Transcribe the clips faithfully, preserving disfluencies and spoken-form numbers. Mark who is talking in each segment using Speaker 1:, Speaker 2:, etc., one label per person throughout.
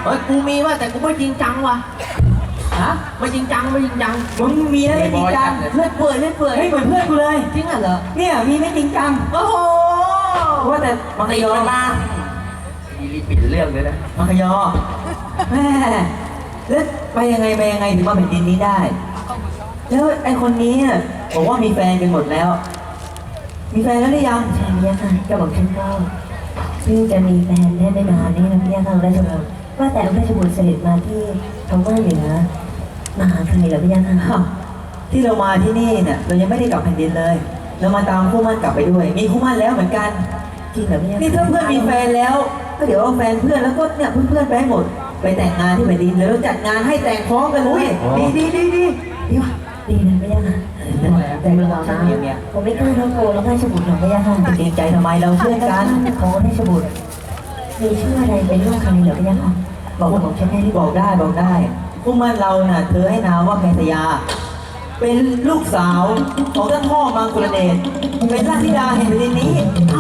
Speaker 1: เฮ้ยกูมีว่ะแต่กูไม่จริงจังว่ะฮะไม่จริงจังไม่จริงจัง
Speaker 2: มึงมีแล้วไม่จริงจัง
Speaker 1: เลือดเปื่อยเลือดเปื่อย
Speaker 2: เฮ้ยเหมือนเพื่อนกูเลย
Speaker 1: จริงเหรอ
Speaker 2: เนี่ยมีไม่จริงจัง
Speaker 1: โอ้โห
Speaker 2: ว่าแต่มังคยอมา
Speaker 1: ดีรีปิดเรื่องเลยนะ
Speaker 2: มังคยอแม่แล้วไปยังไงไปยังไงถึงมาแผ่นดินนี้ได้แล้วไอ้คนนี้เนี่ยบอกว่ามีแฟนกันหมดแล้ว มีแฟนแล้วหรือยัง
Speaker 3: ใช่พี่ค่ะกระบอกฉันก็เพิ่งจะมีแฟนได้ไม่นานนี่นะพี่ค่ะราชบุตรว่าแต่ราชบุตรเสด็จมาที่ทางว่าเหนือมาหาใครเหรอพี่ค่ะ
Speaker 2: ที่เรามาที่นี่เนี่ยเรายังไม่ได้กลับแผ่นดินเลย เรามาตามคู่มั่นกลับไปด้วย มีคู่มั่นแล้วเหมือนกัน
Speaker 3: จริงเหรอพี่ค่ะ
Speaker 2: นี่ถ้าเพื่อนมีแฟนแล้วก็เดี๋ยวเอาแฟนเพื่อนแล้วก็เนี่ยเพื่อนๆไปให้หมดไปแต่งงานที่แผ่นดินแล้วเราจัดงานให้แต่งพร้อมกันเลยดีดีดีดีดีว่ะ
Speaker 3: ดีนะพี่ค่ะแต่เมื่อวานนะผมไม่กล้าท้องโกแล้วราชบุตรหรอกพี่ค่ะ
Speaker 2: เกรงใจทำไมเราเพื่อนกัน
Speaker 3: ของราชบุตรมีชื่ออะไรเป็นลูกใครเหรอพี่ค่ะบอกบอกฉันได้หรือ
Speaker 2: บอกได้บอกได้คู่มั่นเราน่ะเธอให้นามว่าแพทยา เป็นลูกสาวของท่านพ่อมังกรเดชเป็นราชธิดาแห่งแผ่นดินนี้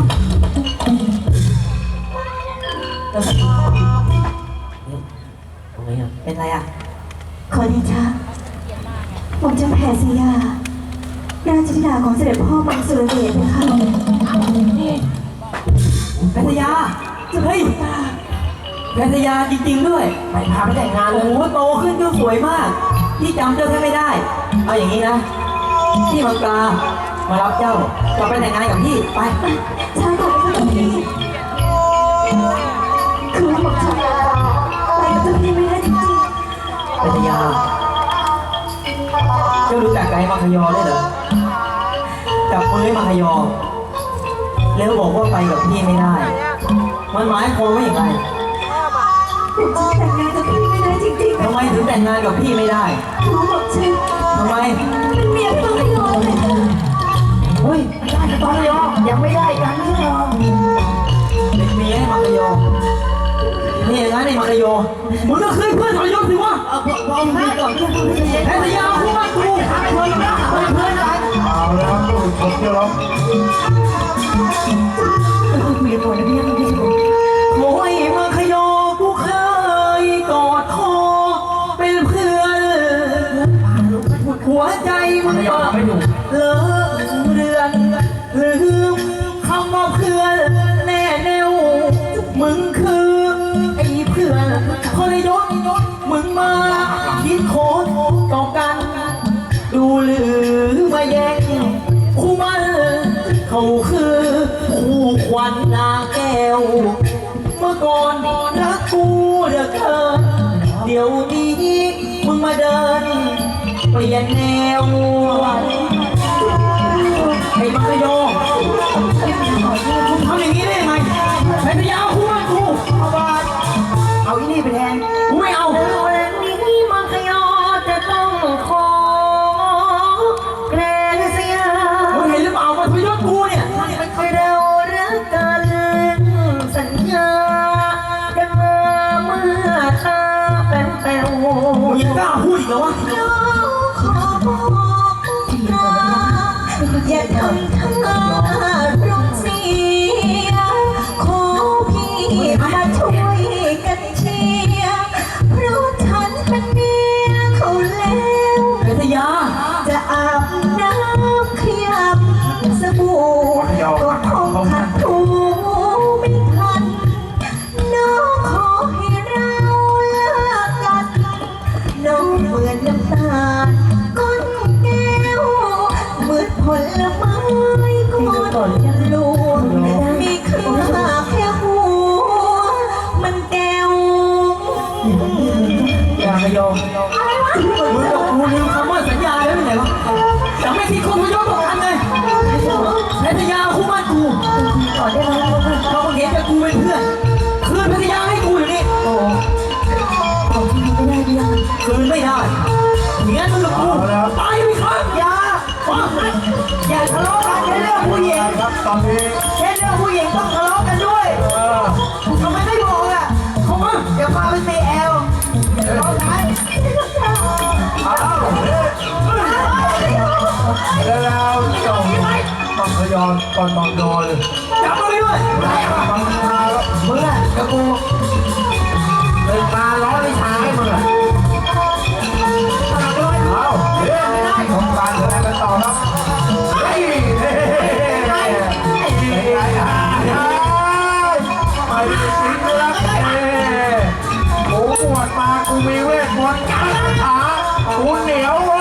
Speaker 2: เป็นไรอ่ะ
Speaker 4: ขอเดชะผมจะแผ่สยาราชธิดาของเสด็จพ่อมังสุรเดชนะคะ
Speaker 2: แพทยาเฮ้ยแพทยาจริงๆด้วยไปพาไปแต่งงานโอ้โหโตขึ้นก็สวยมากพี่จำเจ้าแค่ไม่ได้เอาอย่างนี้นะพี่มังกรามารับเจ้ากลับไปแต่งงานกับพี่ไป
Speaker 4: ช้าก่อนนะคะพี่คือว่าผมจะไปกับเจ้าพี่ไม่ได้จริง
Speaker 2: แพทยาเจ้ารู้จักไกด์มังคยอได้เหรอจับมือให้มังคยอแล้วบอกว่าไปกับพี่ไม่ได้ มันหมายความว่าอย่างไร
Speaker 4: ๆผมจะแต่งงานกับพี่ไม่ได้จริงๆ
Speaker 2: ทำไมถึงแต่งงานกับพี่ไม่ได้
Speaker 4: คือว่าผมจะ
Speaker 2: ทำไม
Speaker 4: เป็นเมียพี่ไม่ยอมเลย
Speaker 2: เฮ้ยได้กับมังคยอยังไม่ได้กันไม่ใช่เหรอเป็นเมียให้มังคยอนี่อย่างนั้นไอ้มังคยอมึงก็เคยเพื่อนทรยศสิวะ
Speaker 1: เอาพอพอมาก่อนเพื่อนเพื่อน
Speaker 2: แพทยาคู่บ้านกูเพื่อนนะเพื่อนเพื่อนกัน
Speaker 5: เอาแล้วครับทุกคนเชื่อแล้ว
Speaker 3: คุยกันก่อนนะพี่ค่ะพี่ชบุตร
Speaker 2: โอ้ยมังคยอกูเคยกอดคอเป็นเพื่อนหัวใจมึงก็เลอะเรือนลืมคำว่าเพื่อนแน่แน่วมึงคือไอ้เพื่อนทรยศมึงมาคิดโคตรต่อกัน ดูหรือมาแย่งคู่มันเขาคือคู่ควันนาแก้ว เมื่อก่อนรักกูเหลือเกินเดี๋ยวนี้มึงมาเดินเปลี่ยนแนวไอ้มังคยอคุณทำอย่างนี้ได้ยังไงไอ้พยาคู่มันกูเอาบาทเอาอีนี่ไปแทนกูไม่เอา
Speaker 3: วันนี้มังคยอจะต้องขอแกรนเสีย
Speaker 2: มึงเห็นหรือเปล่ามันทรยศกูเนี่ย
Speaker 3: เรารักกันสัญญากันมาเมื่อตาแป๋วแป๋ว
Speaker 2: มึงยังกล้าพูดอีกเหรอวะ
Speaker 4: น้องขอบอกนะอย่าทำท่ารุงเสียขอพี่มาช่วยกันเชียร์เพราะฉันเป็นเมียเขาแล้ว
Speaker 2: เพชรยา
Speaker 4: จะอาบน้ำขยับสบู่ก็คงขัดถูไม่ทันน้องขอให้เราเลิกกันน้องเหมือนน้ำตาลก้นแก้วเหมือนผลไม้ก้อนลูกมีค่าแค่หัวมันแก้ว
Speaker 2: อย่าขยอมมึงกับกูลืมคำว่าสัญญาแล้วเป็นไงวะจะไม่ทิ้งคนทรยศต่อกันเลยเพชรยาคู่บ้านกู
Speaker 3: ขอได้ไหม
Speaker 2: เราเห็นแต่กูเป็นเพื่อนคืนเพชรยาให้กูอยู่นี่โอ้
Speaker 3: ของที่ไม่ได้พี่ค่ะ
Speaker 2: คืนไม่ได้เงี้ยมึงกับกูตายไปครับอย่าอย่าทะเลาะกันแค่เรื่องผู้หญิง
Speaker 5: ครับตอนนี้
Speaker 2: แค่เรื่องผู้หญิงต้องทะเลาะกันด้วย
Speaker 5: เออ
Speaker 2: ทำไมไม่บอกอ่ะเขามาเดี๋ยวพาไปตีแอลร้องไห้
Speaker 5: อ้าวแล้วเจ้ามังคยอนตอนตอนนอนเลย
Speaker 2: จับมาไปด้วย
Speaker 5: มังคาแล้ว
Speaker 2: มึงอ่ะกับกู
Speaker 5: เลยตาลชมการแสดงกันต่อครับเฮ้ยเฮ้ยเฮ้ยเฮ้ยไม่ได้จริงเลยนะเฮ้ยกูบวชมากูมีเวทมนต์การคาถากูเหนียว